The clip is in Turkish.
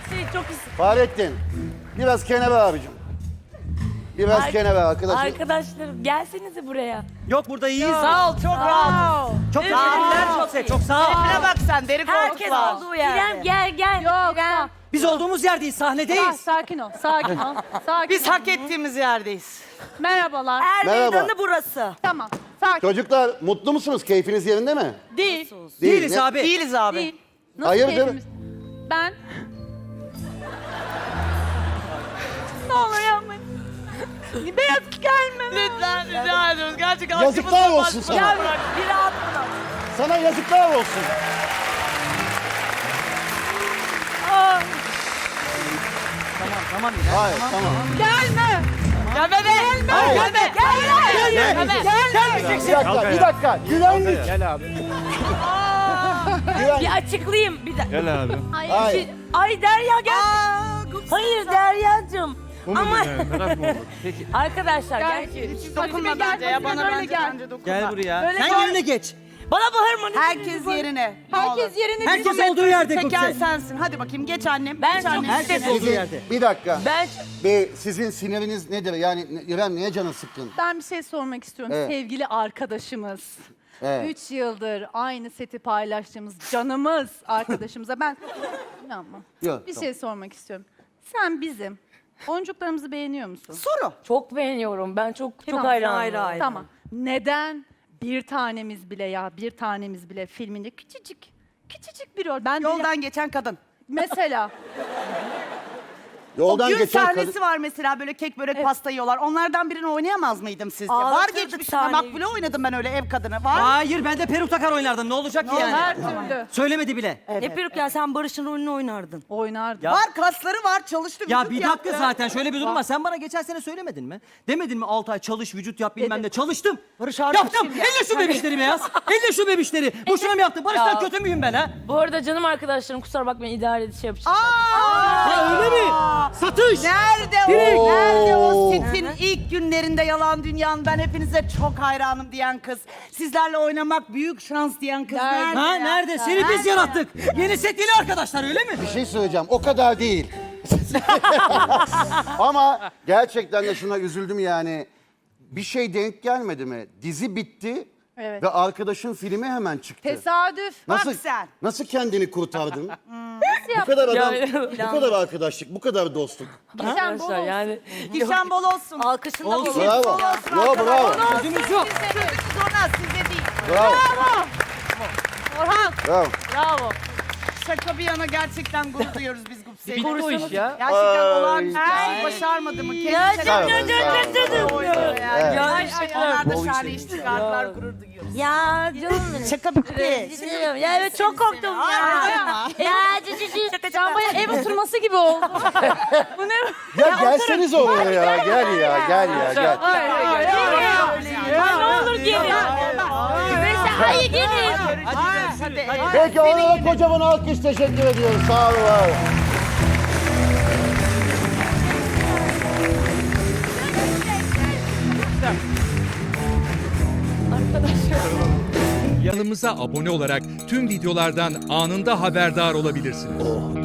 çok istedim. Fahrettin. Biraz kenara abicim. Biraz kenara arkadaşım. Arkadaşlarım gelsenize buraya. Yok burada iyiyiz. Sağ ol, çok rahat. Çok teşekkürler. Çok sağ ol. Şuna bak sen, deri Herkes koltuk var. olduğu yerde. İrem gel. Yok, İrem. Biz olduğumuz yerdeyiz, sahnedeyiz. sakin ol, sakin ol. Sakin Biz ol. hak ettiğimiz yerdeyiz. Merhabalar. Merhaba. Meydanı burası. Tamam, sakin. Çocuklar mutlu musunuz? Keyfiniz yerinde mi? Değil. Değiliz Ne? abi. Değiliz abi. Değil. Nasıl Hayırdır? keyfimiz? Ben... Ne olur yapmayın. Beyaz gelme. Lütfen rica ediyoruz. Gerçekten Yazıklar olsun sana. Gel bırak. Bir rahat bırak. Sana yazıklar olsun. Tamam. Hayır, tamam. Gelme. Gelme be. Hayır. Gelme. Bir dakika. Güvenlik. Gel abi. Güvenlik. Bir açıklayayım. Bir dakika. Gel abi. Hayır. Ay Derya gel. Hayır Derya'cığım. Ama Merak mı oldu? Peki. arkadaşlar Gel. gel. Dokunma Hadi gel, bence ya. hadi Bana böyle bence gel. bence dokunma. Gel buraya. Böyle Sen gel. yerine geç. Bana bağırma. ne Herkes diyorsun? yerine. Herkes yerine Herkes gitsin. olduğu yerde Çeken Gupse. sensin. Hadi bakayım geç annem. Ben geç çok annem. Herkes istedim. olduğu yerde. Bir dakika. Ben Sizin siniriniz nedir? Yani İrem niye canın sıkkın? Ben bir şey sormak istiyorum. Evet. Sevgili arkadaşımız. Evet. 3 yıldır aynı seti paylaştığımız canımız arkadaşımıza ben... İnanma. Yok, Bir tamam. şey sormak istiyorum. Sen bizim oyuncuklarımızı beğeniyor musun? Soru. çok beğeniyorum. Ben çok Tamam, hayranım. ayrı. Tamam. Neden bir tanemiz bile filminde küçücük bir rol. Ben bile- Yoldan geçen kadın. mesela Yoldan o gün geçen sahnesi kadın. var mesela böyle kek börek pasta yiyorlar. Onlardan birini oynayamaz mıydım sizce? Var Ağlatırdık geçmiş. sahneyi. Makbule oynadım ben öyle ev kadını. Var. Hayır ben de peruk takar oynardım. Ne olacak ki yani? her türlü Söylemedi bile. Ne peruk ya sen Barış'ın rolünü oynardın. oynardı. Ya- Var kasları var çalıştı. Ya vücut bir dakika yaptı. zaten şöyle bir durum var. Sen bana geçen sene söylemedin mi? Demedin mi 6 ay çalış, vücut yap bilmem ne. Çalıştım. Barış Arduç Yaptım. kim ya? Elle şu bebişleri beyaz. Elle şu bebişleri. Boşuna mı yaptın? Barış'tan kötü müyüm ben ha? Bu arada canım arkadaşlarım kusura bakmayın idare edip şey yapacağım. Ha öyle mi? Satış. Nerede Direkt. o? Nerede o setin ilk günlerinde yalan dünyanın ben hepinize çok hayranım diyen kız. Sizlerle oynamak büyük şans diyen kız. Nerede? Ha ya? nerede? Seni biz yarattık. Yeni set yeni arkadaşlar öyle mi? Bir şey söyleyeceğim. O kadar değil. Ama gerçekten de şuna üzüldüm yani. Bir şey denk gelmedi mi? Dizi bitti Evet. ve arkadaşın filmi hemen çıktı. Tesadüf. Nasıl, Bak sen. nasıl kendini kurtardın? Nasıl Bu kadar adam, Ya- bu kadar arkadaşlık, bu kadar dostluk. Geçen bol Arkadaşlar olsun. yani. Gişen bol olsun. Alkışın da Olsun. bol. Bravo. Yo, bravo. Gözümüz yok. Sonra size değil. Bravo. Orhan. Bravo. Bravo. Şaka bir yana gerçekten gurur duyuyoruz biz Gupse'yi. Bitti o iş ya. Gerçekten Ay. olağanüstü bir şey başarmadı mı? Ya Kendisi canım Sağ olun, sağ olun. Evet. Ya Onlar da Bol şahane işler. iş çıkardılar, gurur duyuyoruz. Ya canım benim. Şaka bitti. Ya evet çok korktum ya. Ya Can bayağı ev oturması gibi oldu. Bu ne? Ya gelseniz oraya ya. Gel ya, gel ya, gel. Ya ne olur gelin. Mesela hayır gelin. Hadi. Peki onlara kocaman alkış teşekkür ediyoruz. Sağ olun. Var olun. Kanalımıza abone olarak tüm videolardan anında haberdar olabilirsiniz.